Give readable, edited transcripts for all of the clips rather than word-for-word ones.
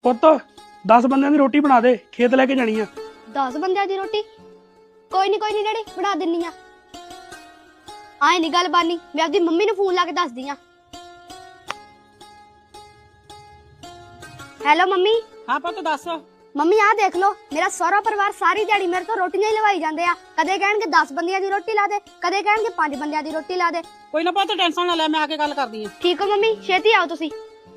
ਪੁੱਤ 10 ਬੰਦਿਆਂ ਦੀ ਰੋਟੀ ਬਣਾ ਦੇ, ਖੇਤ ਲੈ ਕੇ ਜਾਣੀ ਆ। 10 ਬੰਦਿਆਂ ਦੀ ਰੋਟੀ? ਕੋਈ ਨਹੀਂ ਡੈਡੀ, ਬਣਾ ਦਿੰਨੀ ਆ। ਆਏ ਨਹੀਂ ਗੱਲ ਬਾਨੀ, ਮੈਂ ਆਪਦੀ ਮੰਮੀ ਨੂੰ ਫੋਨ ਲਾ ਕੇ ਦੱਸਦੀ ਆ। Hello mummy. ਹਾਂ ਪੁੱਤ ਦੱਸ। ਮੰਮੀ ਆਹ ਦੇਖ ਲੋ, ਮੇਰਾ ਸਾਰਾ ਪਰਿਵਾਰ ਸਾਰੀ ਦਿਹਾੜੀ ਮੇਰੇ ਤੋਂ ਰੋਟੀਆਂ ਹੀ ਲਵਾਈ ਜਾਂਦੇ ਆ। ਕਦੇ ਕਹਿਣਗੇ 10 ਬੰਦਿਆਂ ਦੀ ਰੋਟੀ ਲਾ ਦੇ, ਕਦੇ ਕਹਿਣਗੇ 5 ਬੰਦਿਆਂ ਦੀ ਰੋਟੀ ਲਾ ਦੇ। ਕੋਈ ਨਾ ਪੁੱਤ ਟੈਨਸ਼ਨ ਨਾ ਲੈ, ਮੈਂ ਆ ਕੇ ਗੱਲ ਕਰਦੀ ਆ। ਠੀਕ ਹੋ ਮੰਮੀ, ਛੇਤੀ ਆਓ ਤੁਸੀਂ।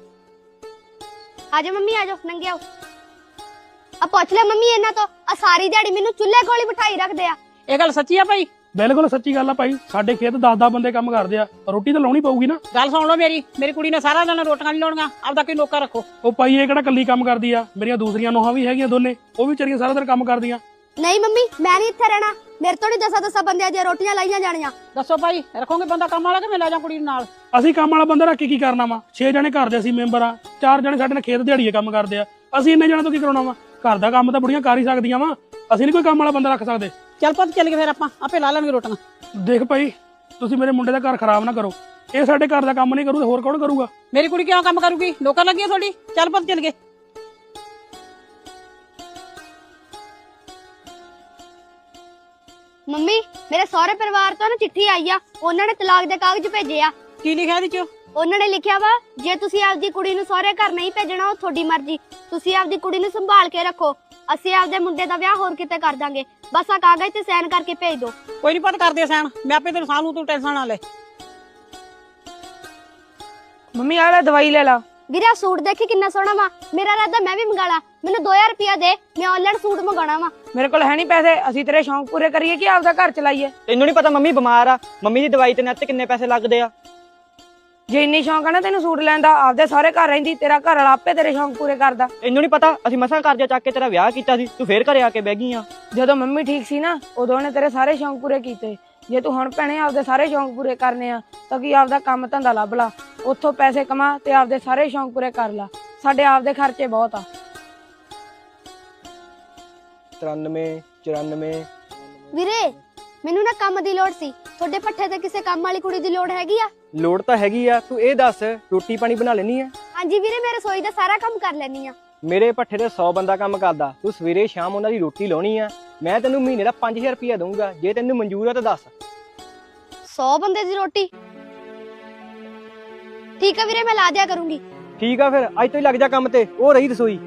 ਆਜੋ ਮੰਮੀ, ਆਜੋ, ਨੰਗੇ ਆਓ। ਆ ਪੁੱਛ ਲੈ ਮੰਮੀ ਇਹਨਾਂ ਤੋਂ, ਆ ਸਾਰੀ ਦਿਹਾੜੀ ਮੈਨੂੰ ਚੁੱਲ੍ਹੇ ਕੋਲ ਹੀ ਬਿਠਾਈ ਰੱਖਦੇ ਆ। ਇਹ ਗੱਲ ਸੱਚੀ ਆ ਭਾਈ? ਬਿਲਕੁਲ ਸੱਚੀ ਗੱਲ ਆ ਭਾਈ, ਸਾਡੇ ਖੇਤ 10 ਬੰਦੇ ਕੰਮ ਕਰਦੇ ਆ, ਰੋਟੀ ਤਾਂ ਲਾਉਣੀ ਪਊਗੀ ਨਾ। ਗੱਲ ਸੁਣ ਲਓ ਮੇਰੀ ਕੁੜੀ ਨੇ ਸਾਰਾ ਦਿਨ ਰੋਟੀਆਂ ਨਹੀਂ ਲਾਉਣੀਆਂ, ਆਪਦਾ ਕੋਈ ਨੌਕਰ ਰੱਖੋ। ਉਹ ਭਾਈ ਇਹ ਕਿਹੜਾ ਕੱਲੀ ਕੰਮ ਕਰਦੀ ਆ, ਮੇਰੀਆਂ ਦੂਸਰੀਆਂ ਨੋਹਾਂ ਵੀ ਹੈਗੀਆਂ ਦੋਨੇ, ਉਹ ਵੀ ਵਿਚਾਰੀਆਂ ਸਾਰਾ ਦਿਨ ਕੰਮ ਕਰਦੀਆਂ। ਨਹੀਂ ਮੰਮੀ, ਮੈਂ ਨਹੀਂ ਇੱਥੇ ਰਹਿਣਾ, ਮੇਰੇ ਤੋਂ ਨਹੀਂ 10 ਬੰਦਿਆਂ ਦੀਆਂ ਰੋਟੀਆਂ ਲਾਈਆਂ ਜਾਣੀਆਂ। ਦੱਸੋ ਭਾਈ, ਰੱਖੋਗੇ ਬੰਦਾ ਕੰਮ ਵਾਲਾ ਕਿ ਮੈਂ ਲੈ ਜਾ ਕੁੜੀ ਨੂੰ ਨਾਲ? ਅਸੀਂ ਕੰਮ ਵਾਲਾ ਬੰਦਾ ਰੱਖ ਕੇ ਕੀ ਕਰਨਾ ਵਾ? 6 ਜਣੇ ਘਰ ਦੇ ਅਸੀਂ ਮੈਂਬਰ ਆ, 4 ਜਣੇ ਸਾਡੇ ਨਾਲ ਖੇਤ ਦਿਹਾੜੀਏ ਕੰਮ ਕਰਦੇ ਆ। ਅਸੀਂ ਇੰਨੇ ਜਣੇ ਤੋਂ ਕੀ ਕਰਾਉਣਾ ਵਾ? ਘਰ ਦਾ ਕੰਮ ਤਾਂ ਬੁੜੀਆਂ ਕਰ ਹੀ ਸਕਦੀਆਂ ਵਾ, ਅਸੀਂ ਨਹੀਂ ਕੋਈ ਕੰਮ ਵਾਲਾ ਬੰਦਾ ਰੱਖ ਸਕਦੇ। ਚੱਲ ਪੁੱਤ ਚੱਲ ਗਏ ਫਿਰ, ਆਪਾਂ ਆਪੇ ਲਾ ਲੈਣਗੇ ਰੋਟੀਆਂ। ਦੇਖ ਭਾਈ, ਤੁਸੀਂ ਮੇਰੇ ਮੁੰਡੇ ਦਾ ਘਰ ਖਰਾਬ ਨਾ ਕਰੋ, ਇਹ ਸਾਡੇ ਘਰ ਦਾ ਕੰਮ ਨਹੀਂ ਕਰੂ ਤੇ ਹੋਰ ਕੌਣ ਕਰੂਗਾ? ਮੇਰੀ ਕੁੜੀ ਕਿਉਂ ਕੰਮ ਕਰੂਗੀ? ਨੌਕਰ ਲੱਗੀ ਆ ਤੁਹਾਡੀ? ਚੱਲ ਪੁੱਤ ਚੱਲ ਗਏ। ਮੰਮੀ, ਮੇਰੇ ਸਹੁਰੇ ਪਰਿਵਾਰ ਤੋਂ ਨਾ ਚਿੱਠੀ ਆਈ ਆ, ਉਹਨਾਂ ਨੇ ਤਲਾਕ ਦੇ ਕਾਗਜ਼ ਭੇਜੇ ਆ। ਕੀ ਲਿਖਿਆ ਇਹਦੇ ਚ? ਉਹਨਾਂ ਨੇ ਲਿਖਿਆ ਵਾ, ਜੇ ਤੁਸੀਂ ਆਪਦੀ ਕੁੜੀ ਨੂੰ ਸਹੁਰੇ ਘਰ ਨਹੀਂ ਭੇਜਣਾ ਉਹ ਤੁਹਾਡੀ ਮਰਜ਼ੀ, ਤੁਸੀਂ ਆਪਦੀ ਕੁੜੀ ਨੂੰ ਸੰਭਾਲ ਕੇ ਰੱਖੋ, ਅਸੀਂ ਆਪਦੇ ਮੁੰਡੇ ਦਾ ਵਿਆਹ ਹੋਰ ਕਿਤੇ ਕਰ ਦਾਂਗੇ, ਬਸ ਆ ਕਾਗਜ਼ ਤੇ ਸਾਈਨ ਕਰਕੇ ਭੇਜ ਦਿਓ। ਕੋਈ ਨਹੀਂ ਪੁੱਤ, ਕਰਦੇ ਸੈਨ, ਮੈਂ ਆਪੇ ਤੈਨੂੰ ਸਾਂਭ ਲੂ, ਤੂੰ ਟੈਨਸ਼ਨ ਨਾ ਲੈ। ਮੰਮੀ ਆ ਲੈ ਦਵਾਈ ਲੈ ਲਾ। ਵੀਰੇ ਆਹ ਸੂਟ ਦੇਖੀ ਕਿੰਨਾ ਸੋਹਣਾ ਵਾ, ਮੇਰਾ ਇਰਾਦਾ ਮੈਂ ਵੀ ਮੰਗਾ ਲਾ। ਮੈਨੂੰ 2000 ਰੁਪਇਆ ਦੇ, ਮੈਂ ਆਨਲਾਈਨ ਸੂਟ ਮੰਗਾਉਣਾ ਵਾ। ਮੇਰੇ ਕੋਲ ਹੈ ਨਹੀਂ ਪੈਸੇ, ਅਸੀਂ ਤੇਰੇ ਸ਼ੌਂਕ ਪੂਰੇ ਕਰੀਏ ਕਿ ਆਪਦਾ ਘਰ ਚਲਾਈਏ? ਤੈਨੂੰ ਨਹੀਂ ਪਤਾ ਮੰਮੀ ਬਿਮਾਰ ਆ, ਮੰਮੀ ਦੀ ਦਵਾਈ ਤੇ ਨੱਤ ਕਿੰਨੇ ਪੈਸੇ ਲੱਗਦੇ ਆ। ਜੇ ਇੰਨੀ ਸ਼ੌਂਕ ਆ ਨਾ ਤੈਨੂੰ ਸੂਟ ਲੈਣ ਦਾ, ਆਪਦੇ ਸਾਰੇ ਘਰ ਰਹਿੰਦੀ, ਤੇਰਾ ਘਰ ਵਾਲਾ ਆਪੇ ਤੇਰੇ ਸ਼ੌਂਕ ਪੂਰੇ ਕਰਦਾ। ਤੈਨੂੰ ਨਹੀਂ ਪਤਾ ਅਸੀਂ ਮਸਾਂ ਕਰਜ਼ਾ ਚੱਕ ਕੇ ਤੇਰਾ ਵਿਆਹ ਕੀਤਾ ਸੀ, ਤੂੰ ਫੇਰ ਘਰੇ ਆ ਕੇ ਬਹਿ ਗਈ ਆ। ਜਦੋਂ ਮੰਮੀ ਠੀਕ ਸੀ ਨਾ, ਉਦੋਂ ਉਹਨੇ ਤੇਰੇ ਸਾਰੇ ਸ਼ੌਂਕ ਪੂਰੇ ਕੀਤੇ। ਜੇ ਤੂੰ ਹੁਣ ਭੈਣੇ ਆਪਦੇ ਸਾਰੇ ਸ਼ੌਂਕ ਪੂਰੇ ਕਰਨੇ ਆ ਤਾਂ ਕੀ ਆਪਦਾ ਕੰਮ ਧੰਦਾ ਲੱਭ ਲਾ, ਉੱਥੋਂ ਪੈਸੇ ਕਮਾ ਤੇ ਆਪਦੇ ਸਾਰੇ ਸ਼ੌਂਕ ਪੂਰੇ ਕਰ ਲਾ। ਸਾਡੇ ਆਪਦੇ ਖਰਚੇ ਬਹੁਤ ਆ। 93 94। ਵੀਰੇ ਮੈਨੂੰ ਨਾ ਕੰਮ ਦੀ ਲੋੜ ਸੀ, ਤੁਹਾਡੇ ਪੱਠੇ ਤੇ ਕਿਸੇ ਕੰਮ ਵਾਲੀ ਕੁੜੀ ਦੀ ਲੋੜ ਹੈਗੀ ਆ? ਲੋੜ ਤਾਂ ਹੈਗੀ ਆ, ਤੂੰ ਇਹ ਦੱਸ ਰੋਟੀ ਪਾਣੀ ਬਣਾ ਲੈਣੀ ਆ? ਹਾਂਜੀ ਵੀਰੇ, ਮੈਂ ਰਸੋਈ ਦਾ ਸਾਰਾ ਕੰਮ ਕਰ ਲੈਣੀ ਆ। ਮੇਰੇ ਪੱਠੇ ਤੇ 100 ਬੰਦਾ ਕੰਮ ਕਰਦਾ, ਤੂੰ ਸਵੇਰੇ ਸ਼ਾਮ ਉਹਨਾਂ ਦੀ ਰੋਟੀ ਲਾਉਣੀ ਆ। ਮੈਂ ਤੈਨੂੰ ਮਹੀਨੇ ਦਾ 5000 ਰੁਪਇਆ ਦਊਂਗਾ, ਜੇ ਤੈਨੂੰ ਮਨਜ਼ੂਰ ਆ ਤਾਂ ਦੱਸ। 100 ਬੰਦੇ ਦੀ ਰੋਟੀ? ਠੀਕ ਆ ਵੀਰੇ, ਮੈਂ ਲਾ ਦਿਆ ਕਰੂੰਗੀ। ਠੀਕ ਆ ਫਿਰ ਅੱਜ ਤੋਂ ਹੀ ਲੱਗ ਜਾ ਕੰਮ ਤੇ, ਉਹ ਰਹੀ ਰਸੋਈ।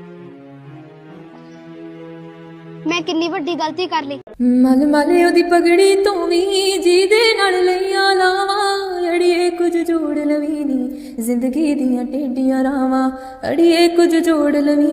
ਮੈਂ ਕਿੰਨੀ ਵੱਡੀ ਗਲਤੀ ਕਰ ਲਈ। ਮਲ ਮਲ ਉਹਦੀ ਪਗੜੀ ਤੋਂ ਵੀ ਜਿਹਦੇ ਨਾਲ ਲਈਆਂ ਲਾਵਾਂ, ਅੜੀਏ ਕੁਝ ਜੋੜ ਲਵੀਂ ਨੀ ਜ਼ਿੰਦਗੀ ਦੀਆਂ ਟੇਡੀਆਂ ਰਾਵਾਂ, ਅੜੀਏ ਕੁਝ ਜੋੜ ਲਵੀਂ।